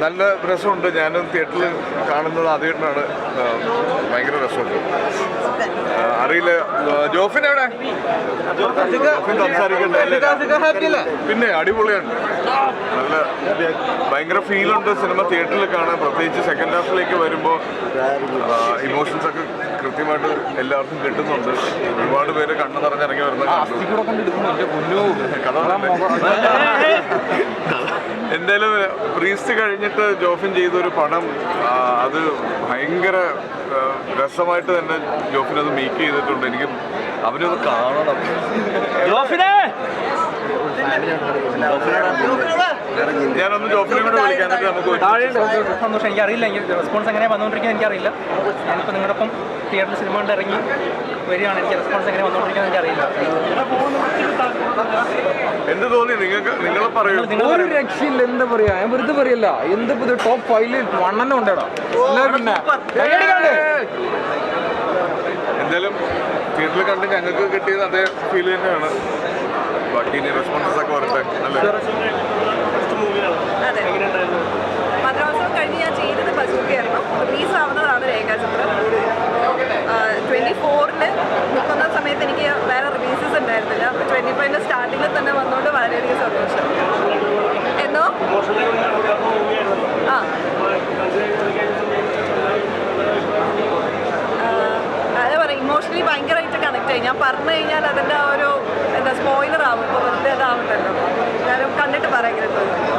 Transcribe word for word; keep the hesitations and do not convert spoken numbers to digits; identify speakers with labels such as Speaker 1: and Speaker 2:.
Speaker 1: നല്ല രസമുണ്ട്. ഞാനും തിയേറ്ററിൽ കാണുന്നത് ആദ്യമായിട്ടാണ്. ഭയങ്കര രസമുണ്ട്. അറിയില്ല ജോഫിൻ എവിടെ? ജോഫിൻ സംസാരിക്കണ്ടേ? പിന്നെ അടിപൊളിയാണ്. നല്ല ഭയങ്കര ഫീലുണ്ട് സിനിമ തിയേറ്ററിൽ കാണാൻ. പ്രത്യേകിച്ച് സെക്കൻഡ് ഹാഫിലേക്ക് വരുമ്പോൾ ഇമോഷൻസ് ഒക്കെ കൃത്യമായിട്ട് എല്ലാവർക്കും കിട്ടുന്നുണ്ട്. ഒരുപാട് പേര് കണ്ണു നിറഞ്ഞിറങ്ങി വരുന്ന എന്തായാലും പ്രീസ്റ്റ് കഴിഞ്ഞിട്ട് ജോഫിൻ ചെയ്തൊരു പടം അത് ഭയങ്കര രസമായിട്ട് തന്നെ ജോഫിൻ അത് മേക്ക് ചെയ്തിട്ടുണ്ട്. എനിക്ക് അവനത് കാണണം. ഞാനൊന്ന് ജോഫിനെ കൂടെ വിളിക്കാൻ നമുക്ക്
Speaker 2: സന്തോഷം. എനിക്കറിയില്ല റെസ്പോൺസ് എങ്ങനെ വന്നുകൊണ്ടിരിക്കുന്നത് എനിക്കറിയില്ല. ഞാനിപ്പോൾ നിങ്ങളുടെ ഒപ്പം തിയേറ്ററിൽ സിനിമ കൊണ്ട് ഇറങ്ങി വരികയാണ്. എനിക്ക് റെസ്പോൺസ് എങ്ങനെ വന്നുകൊണ്ടിരിക്കുന്നത് എനിക്കറിയില്ല.
Speaker 1: എന്ത് തോന്നി നിങ്ങൾക്ക്? നിങ്ങൾ പറയൂ.
Speaker 3: ഒരു രക്ഷയില്ല. എന്താ പറയാ, ഞാൻ വെറുതെ പറയല്ല. എന്ത് പുതിയ ടോപ്പ് ഫൈവില് വണ്ണെണ്ണം ഉണ്ടേടാ. പിന്നെ
Speaker 1: എന്തായാലും തിയേറ്ററിൽ കണ്ട് ഞങ്ങൾക്ക് കിട്ടിയത് അതേ ഫീൽ തന്നെയാണ്. ബാക്കി ഇനി റെസ്പോൺസസ് ഒക്കെ വരട്ടെ. അല്ലേ?
Speaker 4: മദ്രാസം കഴിഞ്ഞ് ഞാൻ ചെയ്തത് ബസൂക്കയായിരുന്നു. റിലീസ് ആവുന്നതാണ് രേഖാചിത്രം. ട്വൻറ്റി ഫോറിന് മുക്കുന്ന സമയത്ത് എനിക്ക് വേറെ റിലീസസ് ഉണ്ടായിരുന്നില്ല. അപ്പോൾ ട്വൻറ്റി ഫൈവിൻ്റെ സ്റ്റാർട്ടിങ്ങിൽ തന്നെ വന്നുകൊണ്ട് വളരെയധികം സന്തോഷം. എന്നോ ആ അതെ പറയാം, ഇമോഷണലി ഭയങ്കരമായിട്ട് കണക്ട് ആയി. ഞാൻ പറഞ്ഞു കഴിഞ്ഞാൽ അതിൻ്റെ ആ ഒരു എന്താ സ്പോയിലർ ആവും. ഇപ്പോൾ വെറുതെ അതാവുണ്ടല്ലോ. ഞാനും കണ്ടിട്ട് പറയാൻ